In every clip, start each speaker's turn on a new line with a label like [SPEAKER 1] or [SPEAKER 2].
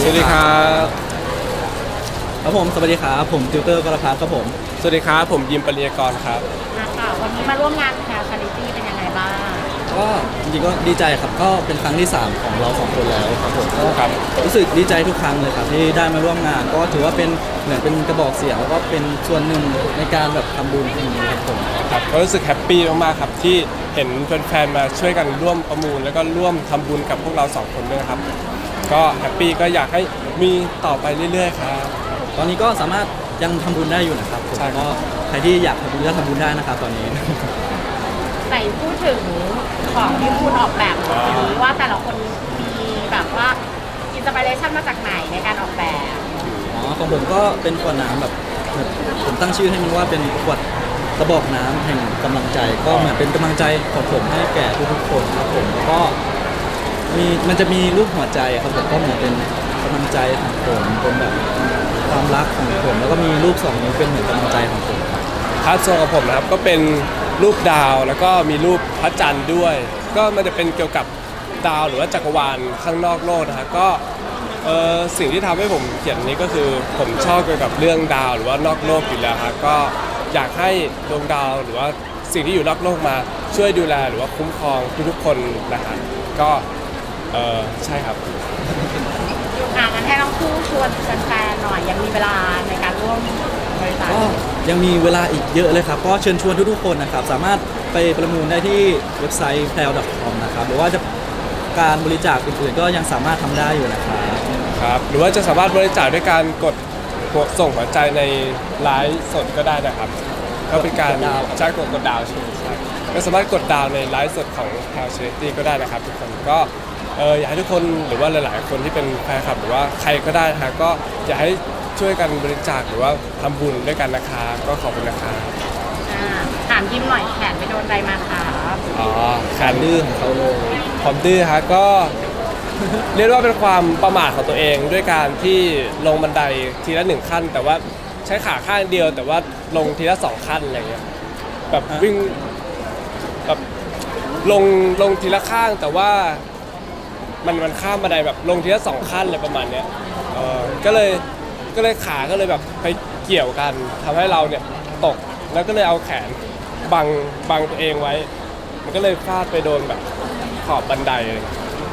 [SPEAKER 1] วัสดีครับ
[SPEAKER 2] ครับผมสวัสดีครับผมติวเตอร์กรพัฒน์ครับผม
[SPEAKER 1] สวัสดีครับผมยิมปริยากรครับ
[SPEAKER 3] ค่ะวันนี้มาร่วมงานแคร์ชาริตี้เป็นยังไงบ้าง
[SPEAKER 2] ก็จริงๆก็ดีใจครับก็เป็นครั้งที่3ของเรา2คนแล้วครับผมก็
[SPEAKER 1] ครับ
[SPEAKER 2] รู้สึกดีใจทุกครั้งเลยครับที่ได้มาร่วมงานก็ถือว่าเป็นเหมือนเป็นกระบอกเสียงแล้วก็เป็นส่วนหนึ่งในการแบบทำบุญที่นี้ครับผม
[SPEAKER 1] ครับก็รู้สึกแฮปปี้มากๆครับที่เห็นแฟนๆมาช่วยกันร่วมประมูลแล้วก็ร่วมทำบุญกับพวกเรา2คนด้วยครับก็แฮปปี้ก็อยากให้มีต่อไปเรื่อยๆครับ
[SPEAKER 2] ตอนนี้ก็สามารถยังทำบุญได้อยู่นะครับผม
[SPEAKER 1] ใช่ครับ
[SPEAKER 2] ก็ใครที่อยากทำบุญก็ทำบุญได้นะครับตอนนี้
[SPEAKER 3] ไหนพูดถึงของที่คุณออกแบบหน่อยว่าแต่ละคนมีแบบว่าอินสปิเรชันมาจากไหนในการออกแบบ
[SPEAKER 2] ของผมก็เป็นขวดน้ำแบบผมตั้งชื่อให้มันว่าเป็นขวดกระบอกน้ำแห่งกำลังใจก็เหมือนเป็นกำลังใจของผมให้แก่ทุกๆคนครับผมแล้วก็มันจะมีรูปหัวใจครับผมก็เหมือนเป็นกำลังใจของผมเป็นแบบความรักของผมแล้วก็มีรูป2 นิ้วเป็นเหมือนกำลังใจของผม
[SPEAKER 1] ครับส่วนของผมนะครับก็เป็นรูปดาวแล้วก็มีรูปพระจันทร์ด้วยก็มันจะเป็นเกี่ยวกับดาวหรือว่าจักรวาลข้างนอกโลกนะครับก็สิ่งที่ทำให้ผมเขียนนี้ก็คือผมชอบเกี่ยวกับเรื่องดาวหรือว่านอกโลกอยู่แล้วครับก็อยากให้ดวงดาวหรือว่าสิ่งที่อยู่นอกโลกมาช่วยดูแลหรือว่าคุ้มครองทุกๆคนนะครับก็ใช่ครับ
[SPEAKER 3] งั้นให้น้องคู่ชวนแฟนๆหน่อยยังมีเวลาในการร่วมบริจาค
[SPEAKER 2] ก็ยังมีเวลาอีกเยอะเลยครับก็เชิญชวนทุกๆคนนะครับสามารถไปประมูลได้ที่เว็บไซต์ pleo.com นะครับหรือว่าจะการบริจาคอื่นๆก็ยังสามารถทำได้อยู่นะครับ
[SPEAKER 1] ครับหรือว่าจะสามารถบริจาคด้วยการกดส่งหัวใจในไลฟ์สดก็ได้นะครับก็เป็นการใช้กดดาวใช่ก็สามารถกดดาวในไลฟ์สดของทางเชอริตี้ก็ได้นะครับทุกคนก็อยากให้ทุกคนหรือว่าหลายๆคนที่เป็นแฟนคลับหรือว่าใครก็ได้นะครับก็อยากให้ช่วยกันบริจาคหรือว่าทำบุญด้วยกันนะคะก็ขอบคุณนะคะ
[SPEAKER 3] ถามยิ้มหน่อยแขนไปโดนใดมาคะ
[SPEAKER 1] อ๋อ
[SPEAKER 2] แขนดื้อของเขาเลย
[SPEAKER 1] ความดื้อฮะก็เรียกว่าเป็นความประมาทของตัวเองด้วยการที่ลงบันไดทีละ1 ขั้นแต่ว่าใช้ขาข้างเดียวแต่ว่าลงทีละ2 ขั้นอะไรเงี้ยแบบวิ่งแบบลงทีละข้างแต่ว่ามันข้ามบันไดแบบลงทีละ2 ขั้นอะไรประมาณเนี้ยก็เลยขาก็เลยแบบไปเกี่ยวกันทำให้เราเนี่ยตกแล้วก็เลยเอาแขนบังตัวเองไว้มันก็เลยฟาดไปโดนแบบขอบบันไดเลย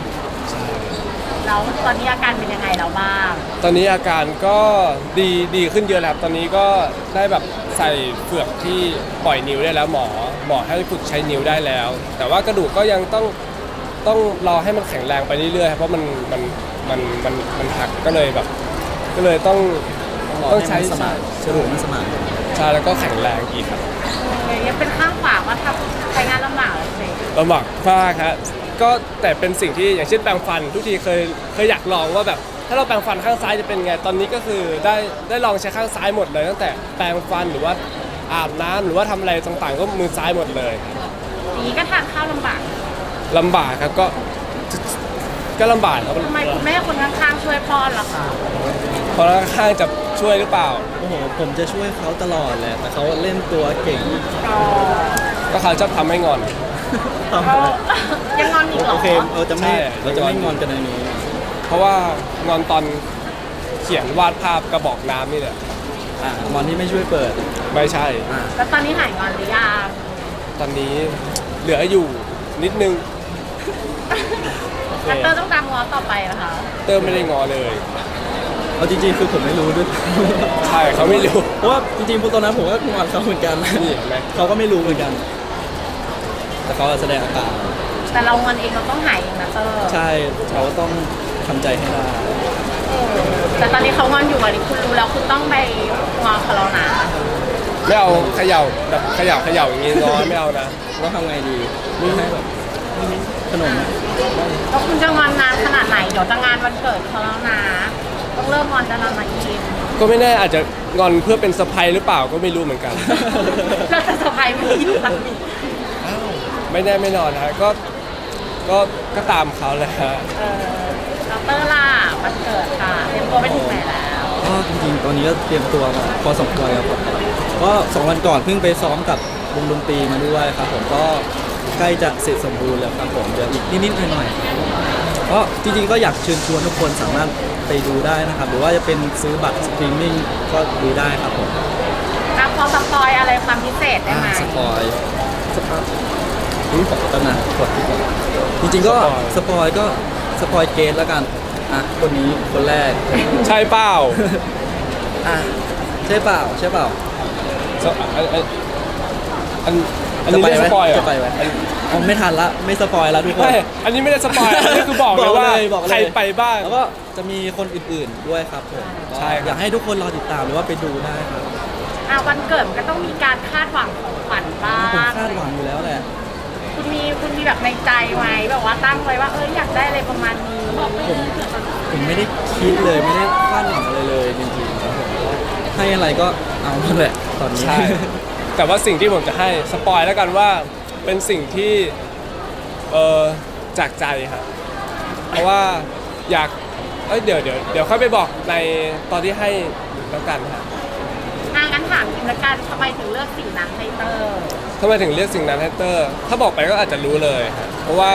[SPEAKER 3] แล้วตอนนี้อาการเป็นยังไงแล้วบ้าง
[SPEAKER 1] ตอนนี้อาการก็ดีขึ้นเยอะแล้วตอนนี้ก็ได้แบบใส่เฟือกที่ปล่อยนิ้วได้แล้วหมอให้ฝึกใช้นิ้วได้แล้วแต่ว่ากระดูกก็ยังต้องรอให้มันแข็งแรงไปเรื่อยๆเพราะมันหักก็เลยต้องใช้
[SPEAKER 2] สมานกระดูกมันสมาน
[SPEAKER 1] ใช่แล้วก็แข็งแรงอีกครับ
[SPEAKER 3] ยังเป็นข้างขวาว่าทำใช้งานลำบากเลย
[SPEAKER 1] ลำบากมากครับก็แต่เป็นสิ่งที่อย่างเช่นแปรงฟันทุกทีเคยอยากลองว่าแบบถ้าเราแปรงฟันข้างซ้ายจะเป็นไงตอนนี้ก็คือได้ลองใช้ข้างซ้ายหมดเลยตั้งแต่แปรงฟันหรือว่าอาบน้ำหรือว่าทำอะไรต่างๆก็มือซ้ายหมดเลย
[SPEAKER 3] นี้ก็ทานข้าวลำบาก
[SPEAKER 1] ครับก็ลำบากครับ
[SPEAKER 3] ทำไมคุณแม่คนข้างๆช่วยป้อนล่ะคะ
[SPEAKER 1] คนข้างๆจะช่วยหรือเปล่า
[SPEAKER 2] โอ้โหผมจะช่วยเขาตลอดแหละแต่เขาเล่นตัวเก่ง
[SPEAKER 1] ก็เขาชอบทำให้งอน
[SPEAKER 3] ยังงอนอีกเหรอ
[SPEAKER 2] โอเคเราจะไม่งอนกันในนี้
[SPEAKER 1] เพราะว่างอนตอนเขียนวาดภาพกระบอกน้ำนี่แหละ
[SPEAKER 2] งอนที่ไม่ช่วยเปิด
[SPEAKER 1] ไม่ใช่
[SPEAKER 3] แล้วตอนนี้หายงอนหรือยัง
[SPEAKER 1] ตอนนี้เหลืออยู่นิดนึง
[SPEAKER 3] เตอร์ต้องตามง้อต่อไปนะคะ
[SPEAKER 1] เตอร์ไม่ได้งอเลย
[SPEAKER 2] เอาจริงๆคือผมไม่รู้ด้วย
[SPEAKER 1] ใช่เขาไม่รู้
[SPEAKER 2] เพราะว่าจริงๆพวกตอนนั้นผมก็งอนเขาเหมือนกัน
[SPEAKER 1] นี่เห็นไหม
[SPEAKER 2] เขาก็ไม่รู้เหมือนกันแต่เขาแสดงอาการ
[SPEAKER 3] แต่เรางอนเองเราต้องหายเองนะเตอร์
[SPEAKER 2] ใช่เขาต้องทำใจให้ได้
[SPEAKER 3] แต่ตอนนี้เขางอนอยู่อันนี้คุณรู้แล้วคุณต้องไปงอเขาแล้วนะ
[SPEAKER 1] ไม่เอาเขย่าแบบเขย่าอย่างงี้งอไม่เอานะ
[SPEAKER 2] ต้องทำไงดีไม่ให้แบบขนม
[SPEAKER 3] แล้วคุณจะงอนนานขนาดไหนเดี๋ยวจะงานวันเกิดเขาแล้วนะต้องเริ่มงอนจะนอนมาอีก
[SPEAKER 1] ก็ไม่แน่อาจจะงอนเพื่อเป็นเซอร์ไพรส์หรือเปล่าก็ไม่รู้เหมือนกัน
[SPEAKER 3] เราจะเซอร์ไพรส์ไม่อยู่ตอนนี้
[SPEAKER 1] ไม่แน่ไม่นอนฮะก็ตามเขาเลยฮะ
[SPEAKER 3] เตอร์ล่ะวันเกิดค่ะเตรียมตัวไปถึงไหนแล้ว
[SPEAKER 2] ก็จริงๆตอนนี้ก็เตรียมตัวมาพอสมควรแล้วครับก็2 วันก่อนเพิ่งไปซ้อมกับวงดนตรีมาด้วยครับผมก็ใกล้จะเสร็จสมบูรณ์แล้วครับผมเดี๋ยวอีกนิดๆหน่อยๆก็จริงๆก็อยากเชิญชวนทุกคนสามารถไปดูได้นะครับ หรือว่าจะเป็นซื้อบัตรสตรีมมิ่งก็ดูได้ครับผม
[SPEAKER 3] พอสปอยอะไรความพิเศษได้ไหม
[SPEAKER 2] สปอยสปอยตำนานกดที่ก่อนจริงๆก็สปอยก็สปอยเกตแล้วกันคนนี้คนแรก
[SPEAKER 1] ใช่เปล่า
[SPEAKER 2] อ่ะใช่เปล่าใช่เปล่า
[SPEAKER 1] อันนี้ไม่ได้สปอยล์เหร
[SPEAKER 2] จะ
[SPEAKER 1] อ
[SPEAKER 2] ไปไหมเอาไม่ทันละไม่สปอยละทุกคน
[SPEAKER 1] ไม่อันนี้ไม่ได้สปอยล์อันนี้คือบอกเลยว่า
[SPEAKER 2] บอกเลย
[SPEAKER 1] ใครไปบ้าง
[SPEAKER 2] แล้วก็จะมีคนอื่นๆด้วยครับผม
[SPEAKER 1] ใช่ครับ
[SPEAKER 2] อยากให้ทุกคนรอติดตามหรือว่าไปดูได้ครับ
[SPEAKER 3] วันเกิดมันก็ต้องมีการคาดหวังของขวัญบ้า
[SPEAKER 2] ผม
[SPEAKER 3] ง
[SPEAKER 2] คาดหวังอยู่แล้วแหละ
[SPEAKER 3] คุณมีแบบในใจไหมแบบว่าตั้งไว้ว่าอยากได้อะไรประมาณนี้
[SPEAKER 2] ผมไม่ได้คิดเลยไม่ได้คาดหวังอะไรเลยจริงๆครับผมให้อะไรก็เอาหมดแหละตอนนี้
[SPEAKER 1] ใช่ แต่ว่าสิ่งที่ผมจะให้สปอยแล้วกันว่าเป็นสิ่งที่จากใจครับเพราะว่าอยากเดี๋ยวค่อยไปบอกในตอนที่ให้แล้วกันครับ
[SPEAKER 3] งั้นถามจริงละกันทำไมถึงเลือกสิ่งนั้นให้เตอร์
[SPEAKER 1] ทำไมถึงเลือกสิ่งนั้นให้เตอร์ ถ้าบอกไปก็อาจจะรู้เลยครับเพราะว่า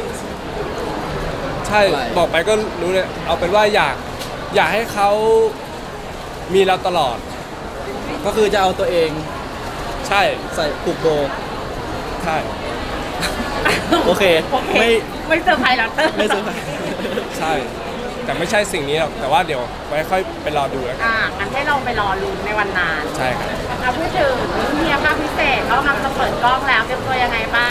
[SPEAKER 1] ใช่
[SPEAKER 2] อะไร
[SPEAKER 1] บอกไปก็รู้เลยเอาเป็นว่าอยากให้เขามีเราตลอด
[SPEAKER 2] ก็คือจะเอาตัวเอง
[SPEAKER 1] ใช่
[SPEAKER 2] ใส่ผูกโบ
[SPEAKER 1] ใช่
[SPEAKER 2] โอเค
[SPEAKER 3] ไม่เซอร์ไพรส์แล้วเตอร์
[SPEAKER 2] ไม่เซอร์ไพรส์
[SPEAKER 1] ใช่ แต่ไม่ใช่สิ่งนี้หรอกแต่ว่าเดี๋ยวไว้ค่อยไปรอดูแล้วกัน
[SPEAKER 3] งั้นให้เราไปรอลุ้นในวันนั้น
[SPEAKER 1] ใช่ครับ
[SPEAKER 3] พูดถึงเฮียภาคพิเศษเขากำลังจะเปิดกล้องแล้วเตรียมตัวยังไงบ้าง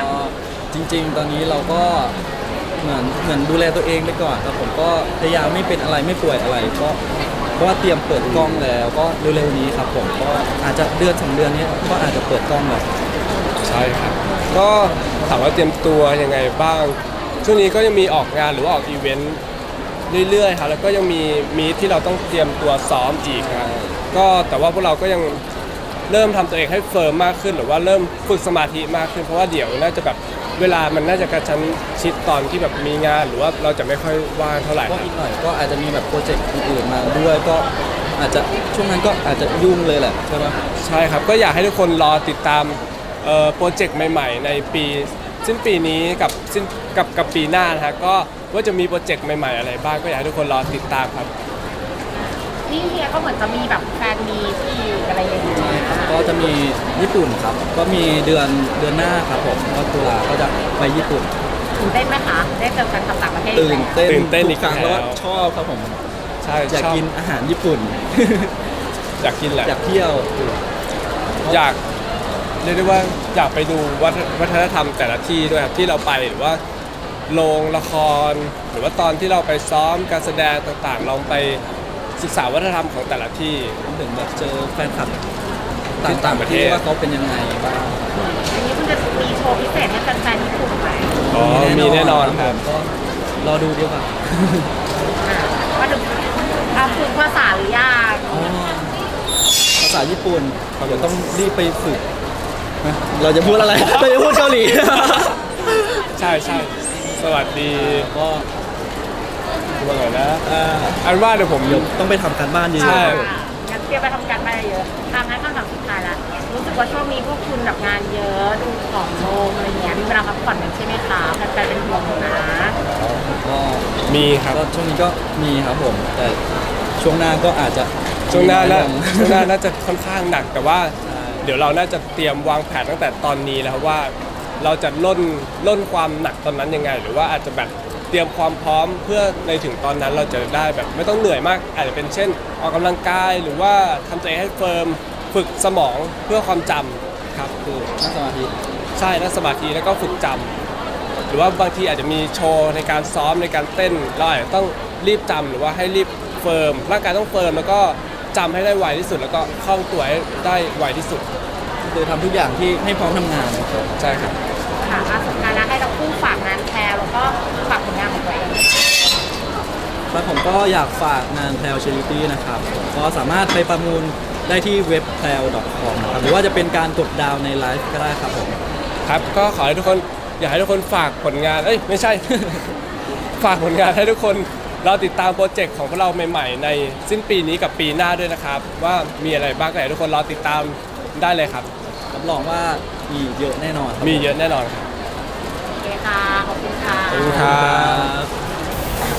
[SPEAKER 2] ก็จริงๆ ตอนนี้เราก็เหมือนดูแลตัวเองไปก่อนครับผมก็พยายามไม่เป็นอะไรไม่ป่วยอะไรก็เพราะว่าเตรียมเปิดกล้องแล้วก็เร็วๆนี้ครับผมก็อาจจะเดือน2 เดือนนี้ก็อาจจะเปิดกล้องแล้ว
[SPEAKER 1] ใช่ครับ ก็ถามว่าเตรียมตัวยังไงบ้าง ช่วงนี้ก็ยังมีออกงานหรือว่าออกอีเวนต์เรื่อยๆครับแล้วก็ยังมีมีตที่เราต้องเตรียมตัวซ้อมอีกครับก็แต่ว่าพวกเราก็ยังเริ่มทำตัวเองให้เฟิร์มมากขึ้นหรือว่าเริ่มฝึกสมาธิมากขึ้นเพราะว่าเดี๋ยวน่าจะแบบเวลามันน่าจะกระชั้นชิดตอนที่แบบมีงานหรือว่าเราจะไม่ค่อยว่างเท่าไหร่
[SPEAKER 2] ก็อีกหน่อยก็อาจจะมีแบบโปรเจกต์อื่นๆมาด้วยก็อาจจะช่วงนั้นก็อาจจะยุ่งเลยแหละใช่ไหม
[SPEAKER 1] ใช่ครับก็อยากให้ทุกคนรอติดตามโปรเจกต์ใหม่ๆ ในปีสิ้นปีนี้กับปีหน้านะฮะก็ว่าจะมีโปรเจกต์ใหม่ๆอะไรบ้างก็อยากให้ทุกคนรอติดตามครับ
[SPEAKER 3] นี่เฮียก็เหมือนจะมีแบบแฟนมีที่อะไรอย่างเงี้ย
[SPEAKER 2] ใช่ครับก็จะมีญี่ปุ่นครับก็มีเดือนหน้าครับผมก็ตุลาก็จะไปญี่ปุ่น
[SPEAKER 3] ตื่นเต้นไหมคะได้เจอแฟนคลับต่างประเทศ
[SPEAKER 2] ตื่นเต้น
[SPEAKER 1] ตื่นเต้น
[SPEAKER 2] ทุ
[SPEAKER 1] อี
[SPEAKER 2] ก
[SPEAKER 1] ก
[SPEAKER 2] ครั้งแล้วก็
[SPEAKER 1] แล้ว
[SPEAKER 2] ชอบครับผม
[SPEAKER 1] ใช่
[SPEAKER 2] อยาก
[SPEAKER 1] ชอบ
[SPEAKER 2] กินอาหารญี่ปุ่น
[SPEAKER 1] อยากกินแหละ
[SPEAKER 2] อยากเที่ยว
[SPEAKER 1] อยากเรียกได้ว่าอยากไปดูวัฒนธรรมแต่ละที่ด้วยครับที่เราไปหรือว่าโรงละคร หรือว่าตอนที่เราไปซ้อมการแสดงต่างๆ ลองไปศึกษาวัฒนธรรมของแต่ละที่
[SPEAKER 2] ถึงแบบเจอแฟนคลับ
[SPEAKER 1] ที่ต่างประเทศ
[SPEAKER 2] ว่าเขาเป็นยังไงบ้าง
[SPEAKER 3] อันนี้คุณจะมีโชว์พิเศษให้แฟนๆญี่ปุ่นไหม
[SPEAKER 1] อ๋อมีแน่นอนครับ
[SPEAKER 2] ก็รอดูดีกว่า
[SPEAKER 3] ว่าถึงฝึกภาษาหรือยัง
[SPEAKER 2] อ๋อภาษาญี่ปุ่นเดี๋ยวต้องรีบไปฝึกนะเราจะพูดอะไร เราจะพูดเกาหลี
[SPEAKER 1] ใช่ใช่สวัสดี
[SPEAKER 2] ก็
[SPEAKER 1] ว่าไงนะอันว่าเดี๋ยวผม
[SPEAKER 2] เดี๋ยวต้องไปทำการบ้านเย
[SPEAKER 1] ใช่
[SPEAKER 2] อะ
[SPEAKER 3] งั้นเตรียมไปทำการบ้านเยอะงั้นคำถามสุดท้ายละรู้สึกว่าช่วงนี้พวกคุณแบบงานเยอะดูของโลงอะไรเงี้ยมีเวลาพักผ่อนกันใช่ไหมคะแฟนๆเป็นห่วงนะ
[SPEAKER 2] ๆก็
[SPEAKER 1] มีครับ
[SPEAKER 2] ก็ช่วงนี้ก็มีครับผม แต่ช่วงหน้าก็อาจจะ
[SPEAKER 1] ช่วงหน้า
[SPEAKER 2] มี
[SPEAKER 1] น่า
[SPEAKER 2] อยลง
[SPEAKER 1] ช่วงหน้าน่าจะค่อนข้างหนักแต่ว่า
[SPEAKER 2] ใช่
[SPEAKER 1] เดี๋ยวเราน่าจะเตรียมวางแผนตั้งแต่ตอนนี้แล้วครับว่าเราจะล่นความหนักตอนนั้นยังไง หรือว่าอาจจะแบบเตรียมความพร้อมเพื่อในถึงตอนนั้นเราจะได้แบบไม่ต้องเหนื่อยมาก อาจจะเป็นเช่นออกกำลังกายหรือว่าทำตัวเองให้เฟิร์มฝึกสมองเพื่อความจำครับคือ
[SPEAKER 2] นั่งสมาธิ
[SPEAKER 1] ใช่นั่งสมาธิแล้วก็ฝึกจำหรือว่าบางทีอาจจะมีโชว์ในการซ้อมในการเต้นเราอาจจะต้องรีบจำหรือว่าให้รีบเฟิร์มร่างกายต้องเฟิร์มแล้วก็จำให้ได้ไวที่สุด แล้วก็คล่องตัวให้ได้ไวที่สุด
[SPEAKER 2] คือทำทุกอย่างที่ให้พร้อมทำงานครับ
[SPEAKER 1] ใช่ครับ
[SPEAKER 3] ค่ะสุดท้ายแล้วให้เราคู่ฝากงานแพรแล้วก็ฝากผลงานของตัวเอง
[SPEAKER 2] แล้วผมก็อยากฝากงานแพลวเชลิตี้นะครับก็สามารถไปประมูลได้ที่เว็บ p l a w .com นะครับหรือว่าจะเป็นการกดดาวน์ในไลฟ์ก็ได้ครับผม
[SPEAKER 1] ครับก็ขอให้ทุกคนอยากให้ทุกคนฝากผลงานไม่ใช่ ฝากผลงานให้ทุกคนเราติดตามโปรเจกต์ของพวกเราใหม่ๆ ในสิ้นปีนี้กับปีหน้าด้วยนะครับ ว่ามีอะไรบ้างก็อยากให้ทุกคนรอติดตามได้เลยครับ
[SPEAKER 2] รับรองว่ามีเยอะแน่นอนครับ
[SPEAKER 1] มีเยอะแน่นอนครับ
[SPEAKER 3] โอเคค่ะ ขอบคุณค่ะ
[SPEAKER 1] ขอบคุณครับ
[SPEAKER 2] ครับ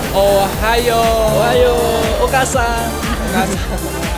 [SPEAKER 1] โอไฮโอ
[SPEAKER 2] โอไฮโอโอกาซัง
[SPEAKER 1] โอกาส